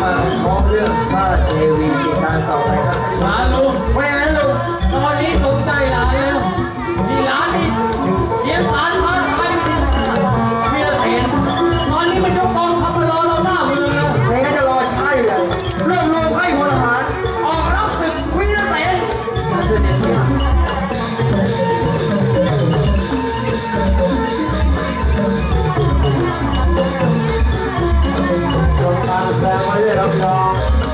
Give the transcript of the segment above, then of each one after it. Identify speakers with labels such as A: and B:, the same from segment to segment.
A: มาพร้อมเรื่องพระเทวีกิจการต่อไปครับ
B: มาลุง
A: ไม่งั้นลุง
B: ตอนนี้สนใจหลานแล้วมีหลานนี่เลี้ยงหลานท้าทายมีละเห็นตอนนี้มันยกกองทัพมารอเราหน้าเมืองแล้ว
A: ไม่งั้นจะรอใช่เลยเริ่มลงให้พลทหารออกรับศึกวีรเสน
B: มาเสด็จพี่
A: จงตามแสดงไว้ด้วยรับรอง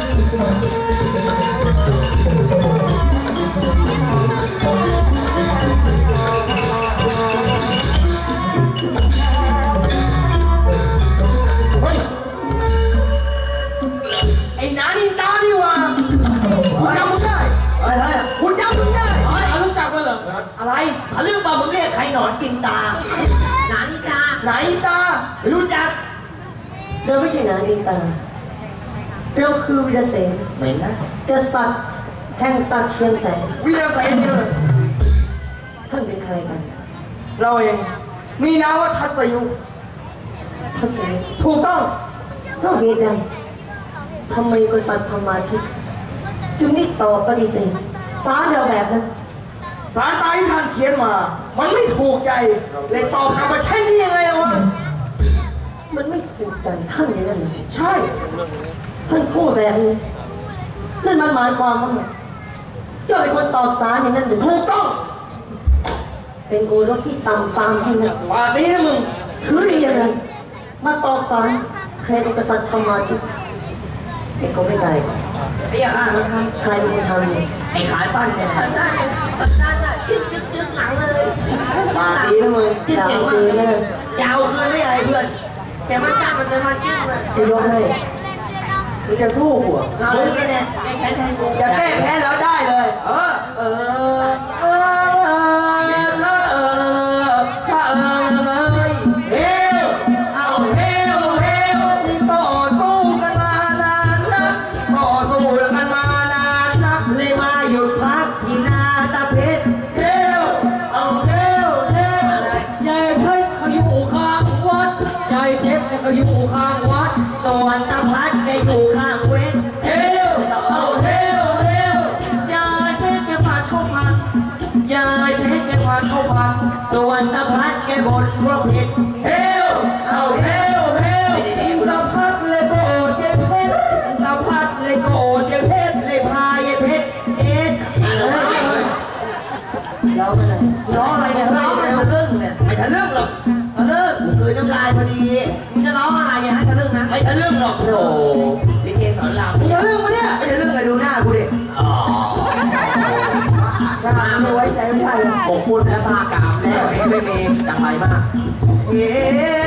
B: ไอ้นานินตาดีว่าคุณจำมึงได้
A: อะไร
B: คุณจำมึงได้รู้จักมั้ยเหรอ
A: อะไรเขาเรื่องป่ามึงเรียกใครหนอนกินตา
B: นานิตา
A: ไหนตาไม่รู้จัก
C: เราไม่ใช่นานิตาเราคือวีรเสน
A: เหม็นนะ
C: กษัตริย์แห่งสัตว์เชียงแสน
A: วีรเสนนี่เลย
C: ท่านเป็นใครกัน
A: เราเองมีนามว่าทัศยุ
C: ทัศยุ
A: ถูกต้อง
C: เพราะเหตุใดทำไมกษัตริย์ธรรมาทิตย์จึงได้ตอบปฏิเสธสารเราแบบนั้น
A: สารตายที่ท่านเขียนมามันไม่ถูกใจเลยตอบกลับมาใช่นี่ยังไงวะ
C: มันไม่ถูกใจท่านอย่างนั้นเลย
A: ใช่
C: ท่านพูดแบบนี้นั่นมันหมายความว่าเจ้าเป็นคนตอบสารอย่างนั้นหรือ
A: ถูกต้อง
C: เป็นโอรสที่ต่ำซามให้นะ
A: ป่านนี้นะมึง
C: ถือได้ยังไงมาตอบสารใครเป็นกษัตริย์ธรรมาทิตย์เด็กก็ไม่ได้
A: ไอ้ห่านะครับ
C: ใครเป็นคนทำ
A: ไอ้ขาสั้นเนี่ย
C: ขาสั้นจึ๊กหลังเลย
A: ป่านนี้นะมึง
C: จึ๊กเก่งมากเลย
A: ยาวคืนไม่ไอ้เพื่อน
C: แกมาจ้างมันจะมาจิ้มเลยจะยกให้
A: มึงจะสู้หัวมึงกันเนี่ย
C: แก้แค้น
A: อย่าแก้แค้นแล้วได้เลย
B: ก็อยู่ข้างวัด
A: สวรรค์ตะพัดก็อยู่ข้างเวท
B: เฮลเอาเฮลเฮลยายเพชรแกผ่านเข้าพันยายเพชรแกผ่านเข้าพัน
A: สวรรค์ตะพัดแกบนพวกผิด
B: เฮลเอาเฮลเฮลตะพัดเลยโกรธเยเพชรตะพัดเลยโกรธเยเพชร
A: เลยพายเยเพชร
C: ร้องอะไร
A: ร้องอะไรเนี่ยร้องอะไรทะลึ่งเนี่ยไม่ทะลึ่งหรอกทะลึ่งคือน้ำลายพอดี
B: มึงจะร้องอะไรอย่าให้ทะลึ่งนะ
A: ไม่ทะลึ่งหรอกโอ้ลิเกสอนราม
B: มึงทะลึ่งปะเนี่ย
A: ไม่ทะลึ่งเลยดูหน้ากูดิ
B: อ๋อ
C: ไม่ไว้ใจไม่ได้
B: ผมพูดแล้วพากามแล้วไม่มีอย่างไรมาก